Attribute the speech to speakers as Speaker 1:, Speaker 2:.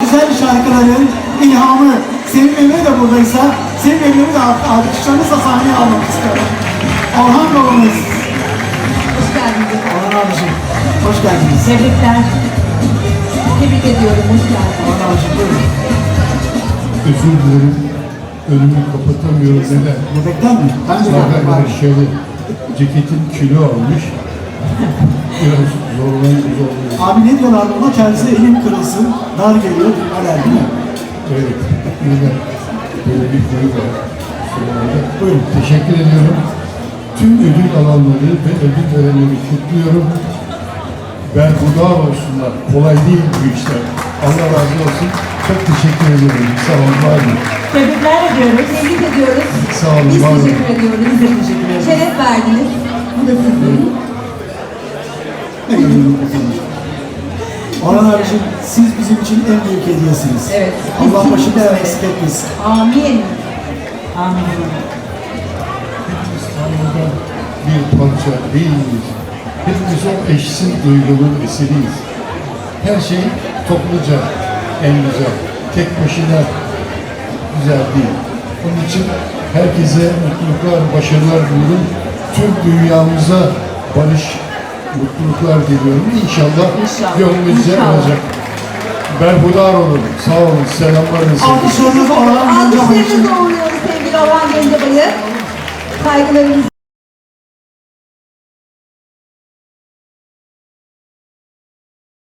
Speaker 1: güzel şarkıların ilhamı Sevim Emre de buradaysa, Sevim Emre'yi de alkışlarınızla sahneye almak istiyorum. Orhan babamız.
Speaker 2: Hoş geldiniz.
Speaker 1: Orhan abiciğim, hoş geldiniz.
Speaker 2: Tebrikler. Tebrik ediyorum. Hoş geldiniz.
Speaker 1: Orhan abiciğim, buyurun.
Speaker 3: Özür dilerim. Önümü kapatamıyorum. Neden?
Speaker 1: Göbekten mi? Bence de var.
Speaker 3: Şöyle ceketin kilo almış. Biraz zorlanıyor.
Speaker 1: Abi ne diyorlar buna? Kendisi elim kırılsın, dar geliyor, haber değil mi?
Speaker 3: Evet. Neden? Böyle bir konu var. Sonunda.
Speaker 1: Buyurun.
Speaker 3: Teşekkür ediyorum. Tüm ödül alanları ve ödül törenleri kutluyorum. Berhudar olsunlar. Kolay değil bu işler. Allah razı olsun. Çok teşekkür ederim. Sağ olun. Var olun.
Speaker 2: Tebrikler ediyoruz. Tebrik ediyoruz.
Speaker 3: Sağ olun,
Speaker 2: Biz
Speaker 3: var olun.
Speaker 2: teşekkür ediyoruz. Biz de teşekkür ederiz. Şeref verdiniz. Bu da sizin.
Speaker 1: Orhan abiciğim, siz bizim için en büyük hediyesiniz.
Speaker 2: Evet.
Speaker 1: Allah
Speaker 2: Kesinlikle
Speaker 1: başımızdan
Speaker 2: öyle.
Speaker 1: eksik etmesin.
Speaker 2: Amin. Amin.
Speaker 3: Bir parça değiliz. Hepimiz o eşsiz duygunun eseriyiz. Her şey topluca en güzel. Tek başına güzel değil. Onun için herkese mutluluklar, başarılar diliyorum. Tüm dünyamıza barış, mutluluklar diliyorum. İnşallah gönlümüzce
Speaker 2: İnşallah.
Speaker 3: olacak. Berhudar olun. Sağ olun. Selamlarınızı.
Speaker 1: Alkışlarınızı Orhan Gencebay'ı için.
Speaker 2: Alkışlarınızı uğurluyoruz sevgili Orhan Gencebay'ı. Saygılarımızı